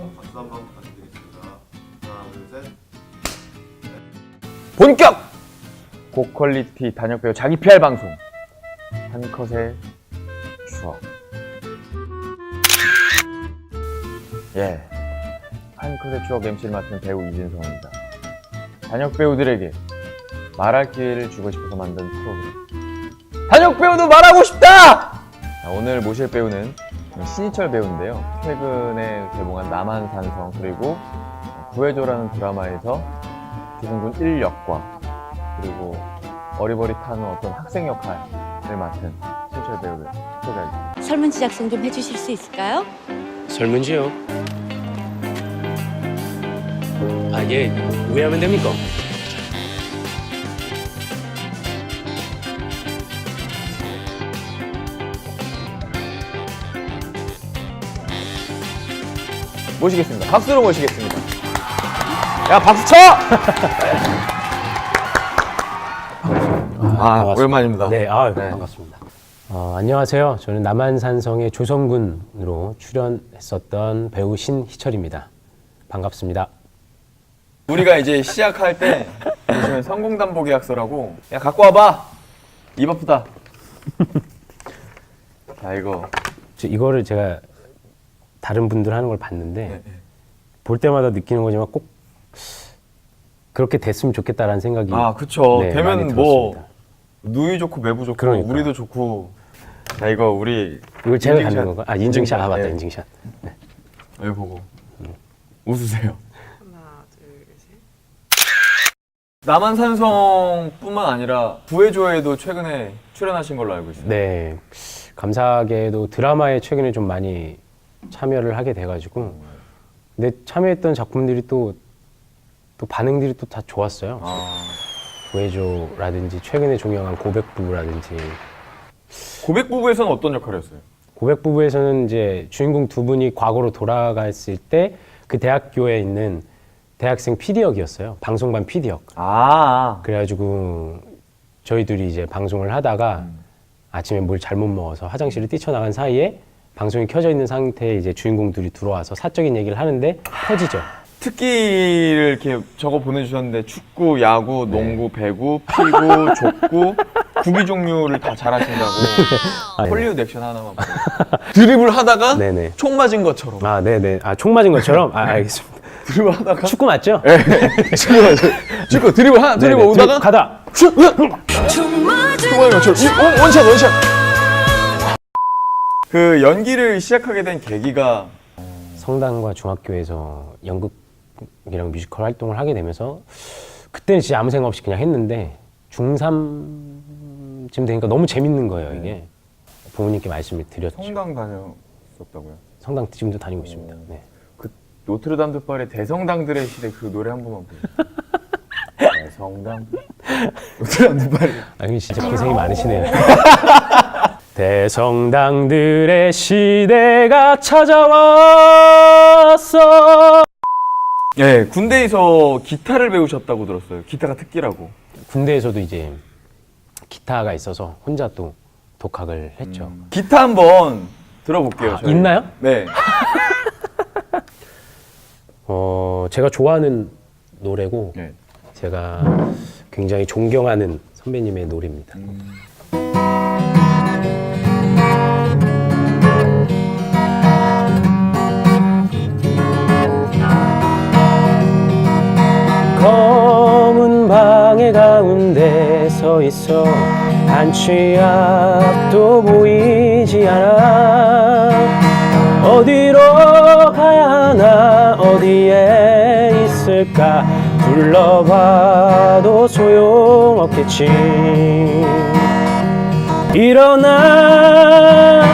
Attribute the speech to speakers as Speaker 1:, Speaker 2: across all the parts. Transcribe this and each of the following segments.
Speaker 1: 박수 한번 부탁드리겠습니다. 하나, 둘, 셋.
Speaker 2: 본격 고퀄리티 단역배우 자기 PR 방송 한 컷의 추억. 한 컷의 추억 MC를 맡은 배우 이진성입니다. 단역배우들에게 말할 기회를 주고 싶어서 만든 프로그램 단역배우도 말하고 싶다! 자, 오늘 모실 배우는 신희철 배우인데요. 최근에 개봉한 남한산성 그리고 구해줘라는 드라마에서 기승군 1역과 그리고 어리버리타는 어떤 학생 역할을 맡은 신희철 배우를 소개하겠습니다.
Speaker 3: 설문지 작성 좀 해주실 수 있을까요?
Speaker 4: 설문지요? 아, 예. 왜 하면 됩니까?
Speaker 2: 모시겠습니다. 박수로 모시겠습니다. 야, 박수 쳐!
Speaker 4: 반갑습니다.
Speaker 2: 오랜만입니다.
Speaker 4: 네, 반갑습니다. 안녕하세요. 저는 남한산성의 조성군으로 출연했었던 배우 신희철입니다. 반갑습니다.
Speaker 2: 우리가 이제 시작할 때 보시면 성공담보계약서라고 야 갖고 와봐! 입 아프다. 자,
Speaker 4: 이거를 제가 다른 분들 하는 걸 봤는데 볼 때마다 느끼는 거지만 꼭 그렇게 됐으면 좋겠다라는 생각이
Speaker 2: 그쵸.
Speaker 4: 네,
Speaker 2: 되면
Speaker 4: 많이
Speaker 2: 뭐
Speaker 4: 들었습니다.
Speaker 2: 누이 좋고 매부 좋고
Speaker 4: 그러니까.
Speaker 2: 우리도 좋고. 자, 이걸
Speaker 4: 제가
Speaker 2: 인증샷.
Speaker 4: 갖는 건가? 인증샷. 맞다.
Speaker 2: 네.
Speaker 4: 인증샷. 네.
Speaker 2: 여기 보고 웃으세요.
Speaker 5: 하나, 둘, 셋.
Speaker 2: 남한산성뿐만 아니라 구해줘에도 최근에 출연하신 걸로 알고 있어요.
Speaker 4: 네. 감사하게도 드라마에 최근에 좀 많이 참여를 하게 돼가지고 근데 참여했던 작품들이 또 반응들이 또 다 좋았어요. 구해줘라든지 최근에 종영한 고백부부라든지
Speaker 2: 고백부부에서는 어떤 역할이었어요?
Speaker 4: 고백부부에서는 이제 주인공 두 분이 과거로 돌아갔을 때 그 대학교에 있는 대학생 PD 역이었어요. 방송반 PD 역. 그래가지고 저희 둘이 이제 방송을 하다가 아침에 뭘 잘못 먹어서 화장실을 뛰쳐나간 사이에 방송이 켜져 있는 상태에 이제 주인공들이 들어와서 사적인 얘기를 하는데 터지죠.
Speaker 2: 특기를 이렇게 적어 보내주셨는데 축구, 야구, 농구, 배구, 피구, 족구, 구기 종류를 다 잘하신다고. 헐리우드 액션 하나만 보세요. 드리블 하다가
Speaker 4: 네네.
Speaker 2: 총 맞은 것처럼.
Speaker 4: 네네. 총 맞은 것처럼? 알겠습니다.
Speaker 2: 드리블 하다가
Speaker 4: 축구 맞죠?
Speaker 2: 네. 축구 드리블 하나 드리블
Speaker 4: 네네.
Speaker 2: 오다가
Speaker 4: 가다.
Speaker 2: 슛! 총 맞은 것처럼 원샷. 그 연기를 시작하게 된 계기가
Speaker 4: 성당과 중학교에서 연극이랑 뮤지컬 활동을 하게 되면서 그때는 진짜 아무 생각 없이 그냥 했는데 중3쯤 되니까 너무 재밌는 거예요, 이게. 부모님께 말씀을 드렸죠.
Speaker 2: 성당 다녔었다고요?
Speaker 4: 성당 지금도 다니고 있습니다. 네.
Speaker 2: 그 노트르담드발의 대성당들의 시대 그 노래 한 번만 보세요. 대성당 노트르담드발.
Speaker 4: 형님 진짜 고생이 많으시네요. 대성당들의 시대가 찾아왔어.
Speaker 2: 예, 군대에서 기타를 배우셨다고 들었어요. 기타가 특기라고.
Speaker 4: 군대에서도 이제 기타가 있어서 혼자 또 독학을 했죠.
Speaker 2: 기타 한번 들어볼게요. 저희.
Speaker 4: 있나요?
Speaker 2: 네.
Speaker 4: 제가 좋아하는 노래고
Speaker 2: 네.
Speaker 4: 제가 굉장히 존경하는 선배님의 노래입니다. 검은 방의 가운데 서 있어 한 치 앞도 보이지 않아 어디로 가야 하나 어디에 있을까 둘러봐도 소용없겠지 일어나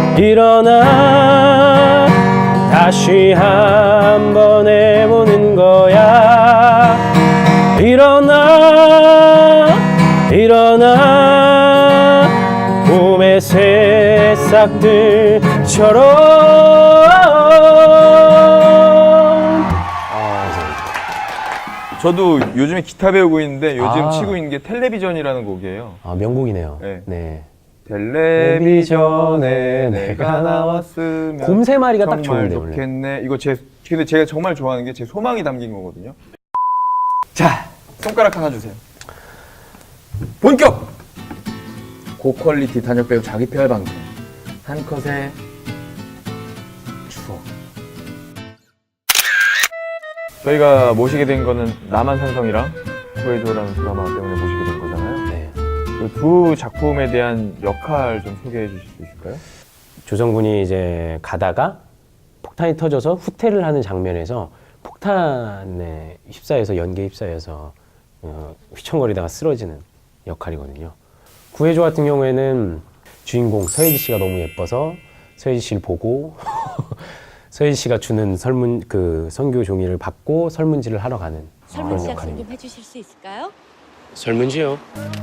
Speaker 4: 다시 한번 해보는 거야 일어나 봄의 새싹들처럼
Speaker 2: 저도 요즘에 기타 배우고 있는데 요즘
Speaker 4: 아.
Speaker 2: 치고 있는 게 텔레비전이라는 곡이에요.
Speaker 4: 명곡이네요.
Speaker 2: 네.
Speaker 4: 네.
Speaker 2: 텔레비전에 내가 나왔으면
Speaker 4: 곰세 마리가 딱
Speaker 2: 정말
Speaker 4: 좋은데 원래.
Speaker 2: 좋겠네. 이거 근데 제가 정말 좋아하는 게 제 소망이 담긴 거거든요. 자, 손가락 하나 주세요. 본격! 고퀄리티 단역 배우 자기 PR 방송. 한 컷의 추억. 저희가 모시게 된 거는 남한산성이랑 구해줘라는 드라마 때문에 모시게 된 거잖아요.
Speaker 4: 네.
Speaker 2: 그 두 작품에 대한 역할 좀 소개해 주실 수 있을까요?
Speaker 4: 조성군이 이제 가다가 폭탄이 터져서 후퇴를 하는 장면에서 폭탄에 휩싸여서 연기에 휩싸여서 휘청거리다가 쓰러지는 역할이거든요. 구해줘 같은 경우에는 주인공 서예지 씨가 너무 예뻐서 서예지 씨를 보고 서예지 씨가 주는 선교 종이를 받고 설문지를 하러 가는
Speaker 3: 설문지
Speaker 4: 그런
Speaker 3: 작성 좀
Speaker 4: 역할입니다.
Speaker 3: 해주실 수 있을까요?
Speaker 4: 설문지요?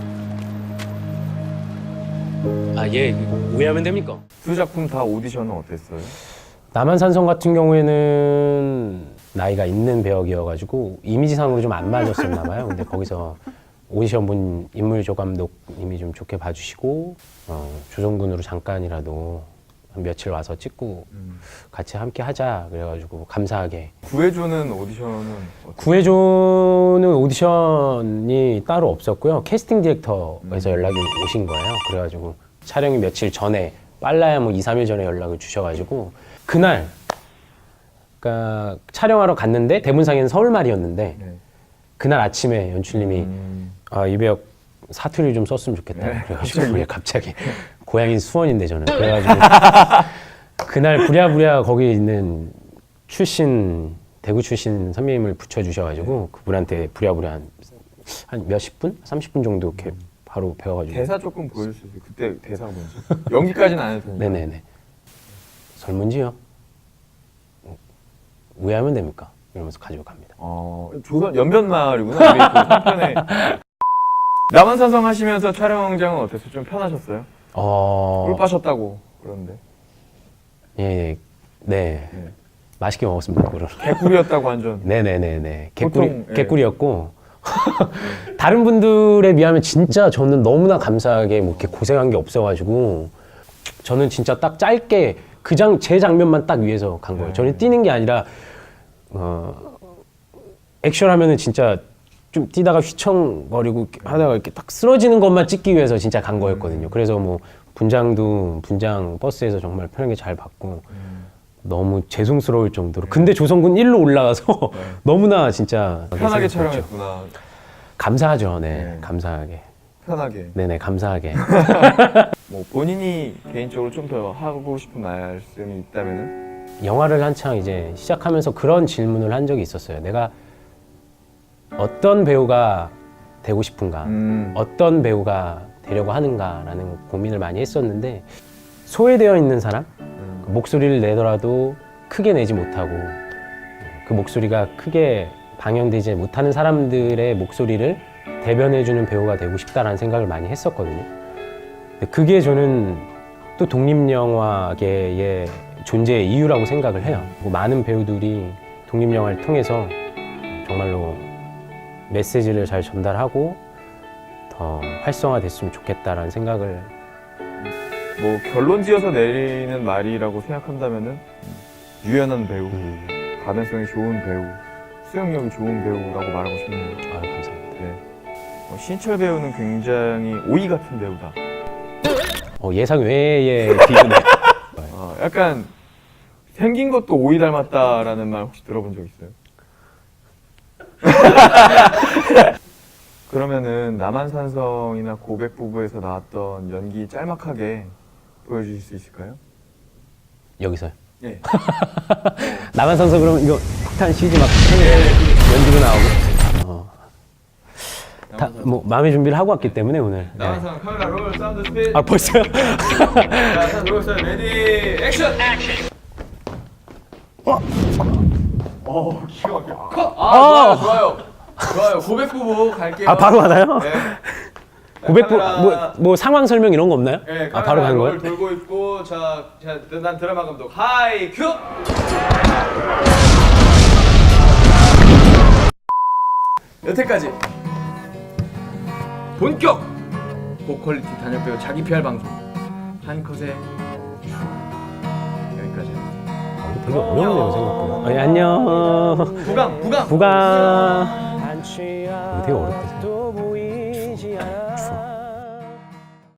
Speaker 4: 아, 예, 오해하면 됩니까?
Speaker 2: 두 작품 다 오디션은 어땠어요?
Speaker 4: 남한산성 같은 경우에는 나이가 있는 배역이어가지고 이미지상으로 좀 안 맞았었나 봐요. 근데 거기서 오디션 본 인물조 감독님이 좀 좋게 봐주시고 조정군으로 잠깐이라도 한 며칠 와서 찍고 같이 함께 하자 그래가지고 감사하게.
Speaker 2: 구해줘는 오디션은
Speaker 4: 구해줘는 오디션이 따로 없었고요. 캐스팅 디렉터에서 연락이 오신 거예요. 그래가지고 촬영이 며칠 전에 빨라야 뭐 2, 3일 전에 연락을 주셔가지고 그날 그러니까 촬영하러 갔는데 대본상에는 서울말이었는데
Speaker 2: 네.
Speaker 4: 그날 아침에 연출님이 이 배역 사투리 좀 썼으면 좋겠다.
Speaker 2: 네,
Speaker 4: 그래가지고 갑자기 고향이 수원인데 저는 그래가지고 그날 부랴부랴 거기 있는 대구 출신 선배님을 붙여주셔가지고 그분한테 부랴부랴 한 몇십 분? 30분 정도 이렇게 바로 배워가지고.
Speaker 2: 대사 조금 보여줄 수 있어요? 그때 대사가 뭔지. 연기까지는 안 해도 되니까.
Speaker 4: 네네네. 설문지요? 오해하면 됩니까? 이러면서 가지고 갑니다.
Speaker 2: 조선 연변마을이구나. 우리 그 3편에. 남한산성 하시면서 촬영장은 어땠어요? 좀 편하셨어요? 꿀 빠셨다고 그러는데.
Speaker 4: 예, 네.
Speaker 2: 네.
Speaker 4: 맛있게 먹었습니다, 그거를.
Speaker 2: 개꿀이었다고 완전.
Speaker 4: 네네네네.
Speaker 2: 보통, 예.
Speaker 4: 개꿀이었고. 다른 분들에 비하면 진짜 저는 너무나 감사하게 뭐 이렇게 고생한 게 없어가지고 저는 진짜 딱 짧게 제 장면만 딱 위해서 간 거예요. 저는 뛰는 게 아니라 액션 하면은 진짜 좀 뛰다가 휘청거리고 하다가 이렇게 딱 쓰러지는 것만 찍기 위해서 진짜 간 거였거든요. 그래서 뭐 분장 버스에서 정말 편하게 잘 받고 너무 죄송스러울 정도로. 근데 조성군 1로 올라가서 너무나 진짜
Speaker 2: 편하게
Speaker 4: 죄송스럽죠.
Speaker 2: 촬영했구나.
Speaker 4: 감사하죠. 네,
Speaker 2: 네.
Speaker 4: 감사하게.
Speaker 2: 편하게.
Speaker 4: 네네, 감사하게.
Speaker 2: 뭐 본인이 개인적으로 좀 더 하고 싶은 말씀이 있다면은?
Speaker 4: 영화를 한창 이제 시작하면서 그런 질문을 한 적이 있었어요. 내가 어떤 배우가 되고 싶은가, 어떤 배우가 되려고 하는가라는 고민을 많이 했었는데 소외되어 있는 사람, 그 목소리를 내더라도 크게 내지 못하고 그 목소리가 크게 방영되지 못하는 사람들의 목소리를 대변해주는 배우가 되고 싶다라는 생각을 많이 했었거든요. 근데 그게 저는 또 독립영화계의 존재의 이유라고 생각을 해요. 뭐 많은 배우들이 독립영화를 통해서 정말로 메시지를 잘 전달하고 더 활성화됐으면 좋겠다라는 생각을.
Speaker 2: 뭐 결론 지어서 내리는 말이라고 생각한다면은 유연한 배우, 가능성이 좋은 배우, 수영력이 좋은 배우라고 말하고 싶네요.
Speaker 4: 아유, 감사합니다.
Speaker 2: 네. 신철 배우는 굉장히 오이 같은 배우다.
Speaker 4: 예상 외의 비유네.
Speaker 2: 약간 생긴 것도 오이 닮았다라는 말 혹시 들어본 적 있어요? 그러면은 남한산성이나 고백부부에서 나왔던 연기 짤막하게 보여주실 수 있을까요?
Speaker 4: 여기서요?
Speaker 2: 네.
Speaker 4: 남한산성 그러면 이거 폭탄 CG 막 연기로 나오고. 뭐 마음의 준비를 하고 왔기 때문에 오늘.
Speaker 2: 남한산성 카메라 롤 사운드 스피드.
Speaker 4: 아, 벌써요?
Speaker 2: 자, 롤 레디 액션. 기가 막혀. 컷. 좋아요. 고백부부 갈게요.
Speaker 4: 아, 바로 가나요?
Speaker 2: 네.
Speaker 4: 고백부
Speaker 2: 카메라-
Speaker 4: 뭐 상황 설명 이런 거 없나요?
Speaker 2: 네,
Speaker 4: 아, 바로 가는
Speaker 2: 롤
Speaker 4: 거예요?
Speaker 2: 돌고 있고 난 드라마 감독 하이 큐. 여태까지 본격 고퀄리티 단역 배우 자기 PR 방송 한 컷에 여기까지.
Speaker 4: 되게 어렵네요 생각보다. 아니, 안녕.
Speaker 2: 부강.
Speaker 4: 부강. 이거 되게 어렵다.